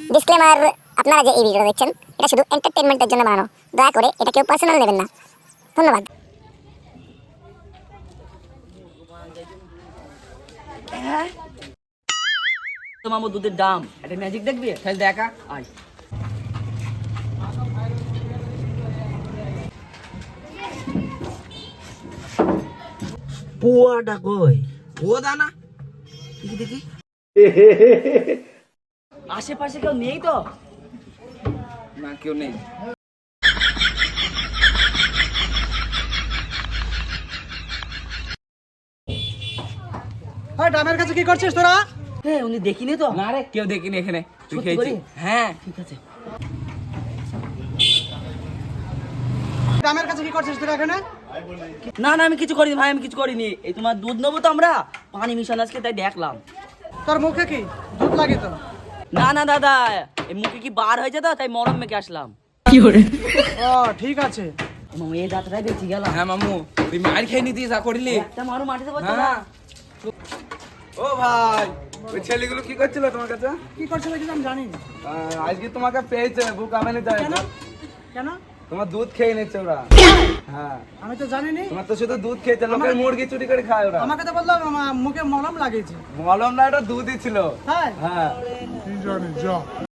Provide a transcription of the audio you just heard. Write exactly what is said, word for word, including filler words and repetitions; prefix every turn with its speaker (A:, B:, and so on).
A: Disclaimer, আপনারা যে এই ভিডিওটা দেখছেন এটা শুধু এন্টারটেইনমেন্টের জন্য বানানো। দয়া করে এটা কেউ পার্সোনাল নেবেন না। ধন্যবাদ।
B: তো মামু দুধের দাম একটা ম্যাজিক দেখবি তাহলে দেখা আয়।
C: পুয়াটা কই? ও দানা দেখি দেখি।
B: আশেপাশে কেউ নেই তো?
C: না কেউ নেই।
D: হ্যাঁ, ড্রামের কাছে কি করছিস তোরা?
B: হ্যাঁ উনি দেখিনি তো?
C: না রে কেউ দেখিনি এখানে। তুই
B: সত্যি
C: খেয়েছিস?
B: করে?
C: হ্যাঁ।
B: ঠিক আছে।
D: ড্রামের কাছে কি করছিস তোরা এখানে?
B: না না আমি কিছু করিনি ভাই, আমি কিছু করিনি। এই তোমার দুধ নেবো তো আমরা, পানি মিশানো আজকে তাই দেখলাম।
D: তোর মুখে কি দুধ লাগে তো?
B: না না দাদা, এই মুখে কি বার হয়েছে তো তাই মরম মেখে আসলাম।
D: ও ঠিক আছে।
B: মামু এই যাত্রায় বেঁচে গেলাম।
C: হ্যাঁ মামু তুই মার খেয়ে নিতিস যা করিলি।
B: একটা মারো মাটিতে পারতো না।
C: হ্যাঁ। ও ভাই ওই ছেলেগুলো কি করছিল তোমার কাছে?
D: কি করছিল কিছু আমি জানি না।
C: আহ, আজকে তোমাকে পেয়েছে বুক আমেনে যায়।
D: কেন কেন?
C: তোমার দুধ খেয়ে নিচ্ছে ওরা। হ্যাঁ
D: আমি তো জানিনি।
C: তোমার তো শুধু দুধ খেয়েছে, লোকের মুরগি চুরি করে খায় ওরা।
D: আমাকে তো বললো আমার মুখে মলম লাগিয়েছে।
C: মলম না, এটা দুধই ছিল।
D: হ্যাঁ,
C: হ্যাঁ
D: কি জানি যা